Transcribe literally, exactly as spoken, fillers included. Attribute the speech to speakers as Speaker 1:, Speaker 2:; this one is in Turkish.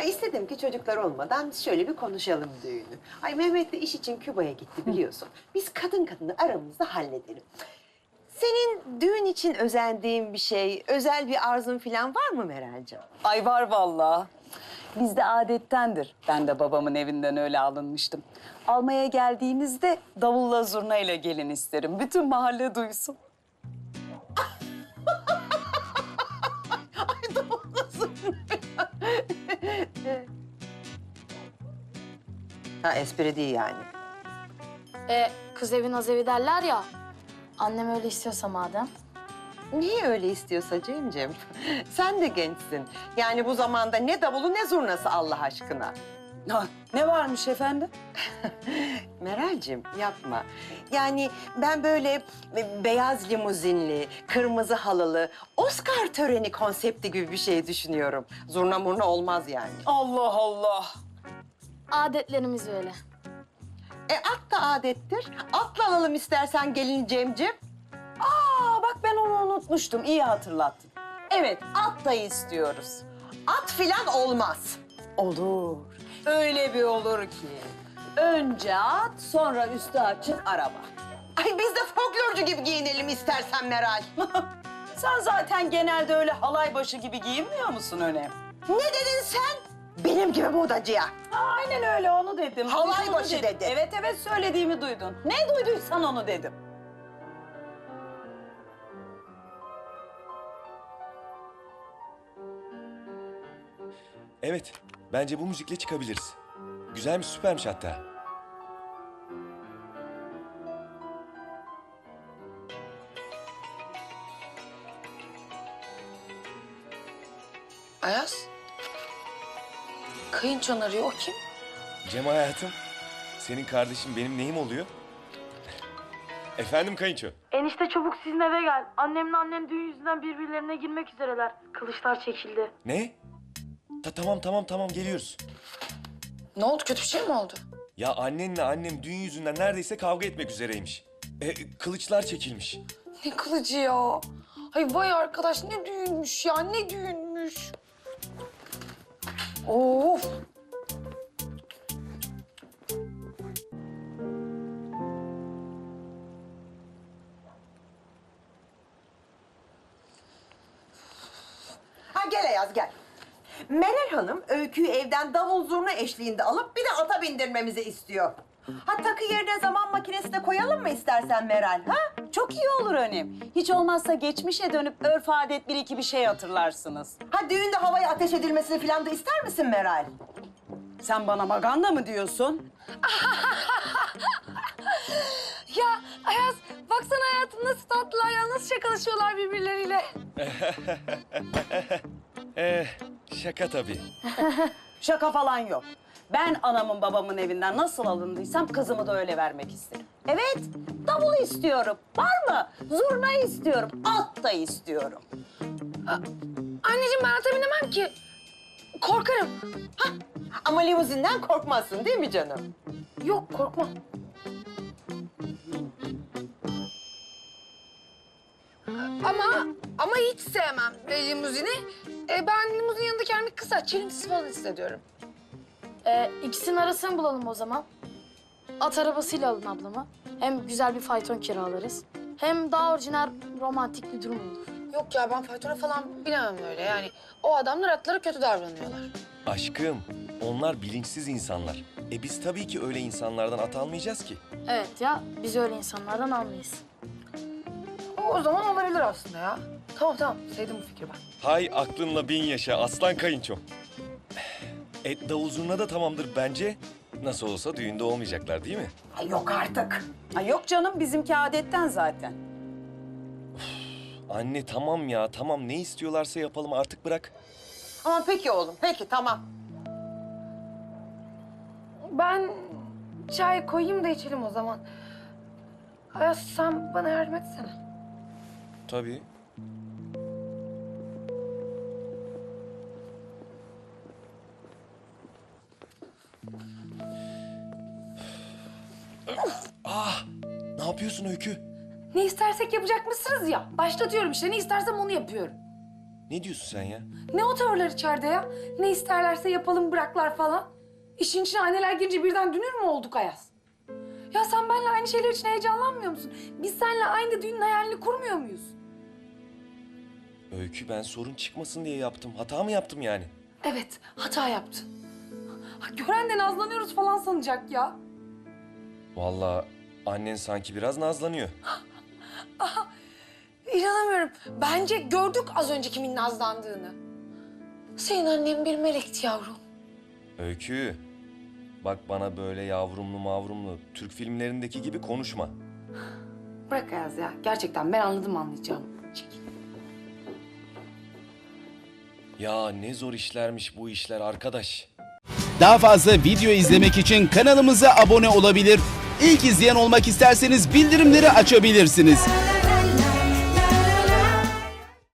Speaker 1: Ay istedim ki çocuklar olmadan şöyle bir konuşalım düğünü. Ay Mehmet de iş için Küba'ya gitti biliyorsun. Biz kadın kadını aramızda halledelim. Senin düğün için özendiğin bir şey, özel bir arzun falan var mı Meral'cığım?
Speaker 2: Ay var vallahi. Bizde adettendir. Ben de babamın evinden öyle alınmıştım. Almaya geldiğinizde davulla zurnayla gelin isterim. Bütün mahalle duysun.
Speaker 1: Ay doğrusu. Ha espri değil yani.
Speaker 3: E, kız evi naz evi derler ya. Annem öyle istiyorsa madem.
Speaker 1: Niye öyle istiyorsa Cem'ciğim? Sen de gençsin. Yani bu zamanda ne davulu ne zurnası Allah aşkına.
Speaker 2: Ha, ne varmış efendim?
Speaker 1: Meral'cim yapma. Yani ben böyle beyaz limuzinli, kırmızı halılı, Oscar töreni konsepti gibi bir şey düşünüyorum. Zurna murna olmaz yani.
Speaker 2: Allah Allah.
Speaker 3: Adetlerimiz öyle.
Speaker 1: E at da adettir. Atla alalım istersen gelin Cem'ciğim.
Speaker 2: Aa bak ben onu unutmuştum. İyi hatırlattın. Evet at da istiyoruz.
Speaker 1: At filan olmaz.
Speaker 2: Olur. Öyle bir olur ki. Önce at, sonra üstü açık araba.
Speaker 1: Ay biz de folklorcu gibi giyinelim istersen Meral.
Speaker 2: Sen zaten genelde öyle halay başı gibi giyinmiyor musun Önem?
Speaker 1: Ne dedin sen? Benim gibi modacıya.
Speaker 2: Aynen öyle onu dedim.
Speaker 1: Halay
Speaker 2: Duydun
Speaker 1: başı
Speaker 2: dedim.
Speaker 1: dedi.
Speaker 2: Evet evet söylediğimi duydun. Ne duyduysan onu dedim.
Speaker 4: Evet, bence bu müzikle çıkabiliriz. Güzelmiş, süpermiş hatta.
Speaker 5: Ayaz. Kayınçon arıyor. O kim?
Speaker 4: Cem hayatım, senin kardeşin benim neyim oluyor? Efendim kayınço?
Speaker 6: Enişte çabuk sizin eve gel. Annemle annem düğün yüzünden birbirlerine girmek üzereler. Kılıçlar çekildi.
Speaker 4: Ne? Ta tamam tamam tamam geliyoruz.
Speaker 5: Ne oldu? Kötü bir şey mi oldu?
Speaker 4: Ya annenle annem düğün yüzünden neredeyse kavga etmek üzereymiş. E, kılıçlar çekilmiş.
Speaker 5: Ne kılıcı ya? Ay vay arkadaş ne düğünmüş ya ne düğünmüş. Of.
Speaker 1: Ha gel Ayaz gel. Meral Hanım Öykü'yü evden davul zurna eşliğinde alıp bir de ata bindirmemizi istiyor. Ha takı yerine zaman makinesi de koyalım mı istersen Meral ha?
Speaker 2: Çok iyi olur Önem. Hiç olmazsa geçmişe dönüp örf adet bir iki bir şey hatırlarsınız.
Speaker 1: Ha düğünde havaya ateş edilmesini falan da ister misin Meral?
Speaker 2: Sen bana maganda mı diyorsun?
Speaker 3: Ya Ayaz baksana hayatım nasıl tatlılar ya. Nasıl şakalaşıyorlar birbirleriyle.
Speaker 4: Eh, şaka tabii.
Speaker 2: Şaka falan yok. Ben anamın babamın evinden nasıl alındıysam kızımı da öyle vermek isterim. Evet, davulu istiyorum. Var mı? Zurna istiyorum. At da istiyorum.
Speaker 3: Anneciğim ben ata binemem ki. Korkarım.
Speaker 1: Ama limuzinden korkmazsın değil mi canım?
Speaker 3: Yok korkmam.
Speaker 5: Ama ama hiç sevmem e, limuzini. E, ben limuzin yanında kendimi kısa, çilingsiz falan hissediyorum.
Speaker 3: Ee, ikisinin arasını bulalım o zaman. At arabasıyla alın ablamı. Hem güzel bir fayton kiralarız. Hem daha orijinal, romantik bir durum olur.
Speaker 5: Yok ya ben faytona falan binemem öyle yani. O adamlar atlara kötü davranıyorlar.
Speaker 4: Aşkım, onlar bilinçsiz insanlar. E biz tabii ki öyle insanlardan at almayacağız ki.
Speaker 3: Evet ya, biz öyle insanlardan almayız.
Speaker 5: O zaman olabilir aslında ya. Tamam tamam sevdim bu fikri ben.
Speaker 4: Hay aklınla bin yaşa aslan kayınçom. E davul zurna da tamamdır bence. Nasıl olsa düğünde olmayacaklar değil mi?
Speaker 1: Ay yok artık.
Speaker 2: Ha, yok canım, bizimki adetten zaten.
Speaker 4: Anne tamam ya tamam ne istiyorlarsa yapalım artık bırak.
Speaker 1: Ama peki oğlum peki tamam.
Speaker 5: Ben çay koyayım da içelim o zaman. Ayaz sen bana yardım etsene.
Speaker 4: Tabii. Ah, ne yapıyorsun Öykü?
Speaker 5: Ne istersek yapacak mısınız ya? Başlatıyorum işte ne istersem onu yapıyorum.
Speaker 4: Ne diyorsun sen ya?
Speaker 5: Ne o tavırlar içeride ya? Ne isterlerse yapalım bıraklar falan. İşin içine anneler girince birden dünür mü olduk Ayaz? Ya sen benimle aynı şeyler için heyecanlanmıyor musun? Biz seninle aynı düğünün hayalini kurmuyor muyuz?
Speaker 4: Öykü, ben sorun çıkmasın diye yaptım. Hata mı yaptım yani?
Speaker 5: Evet, hata yaptın. Ha, gören de nazlanıyoruz falan sanacak ya.
Speaker 4: Vallahi annen sanki biraz nazlanıyor.
Speaker 5: İnanamıyorum. Bence gördük az önce kimin nazlandığını. Senin annen bir melekti yavrum.
Speaker 4: Öykü, bak bana böyle yavrumlu mavrumlu Türk filmlerindeki gibi konuşma.
Speaker 5: Bırak Ayaz ya. Gerçekten ben anladım anlayacağım. Çekil.
Speaker 4: Ya ne zor işlermiş bu işler arkadaş.
Speaker 7: Daha fazla video izlemek için kanalımıza abone olabilir. İlk izleyen olmak isterseniz bildirimleri açabilirsiniz.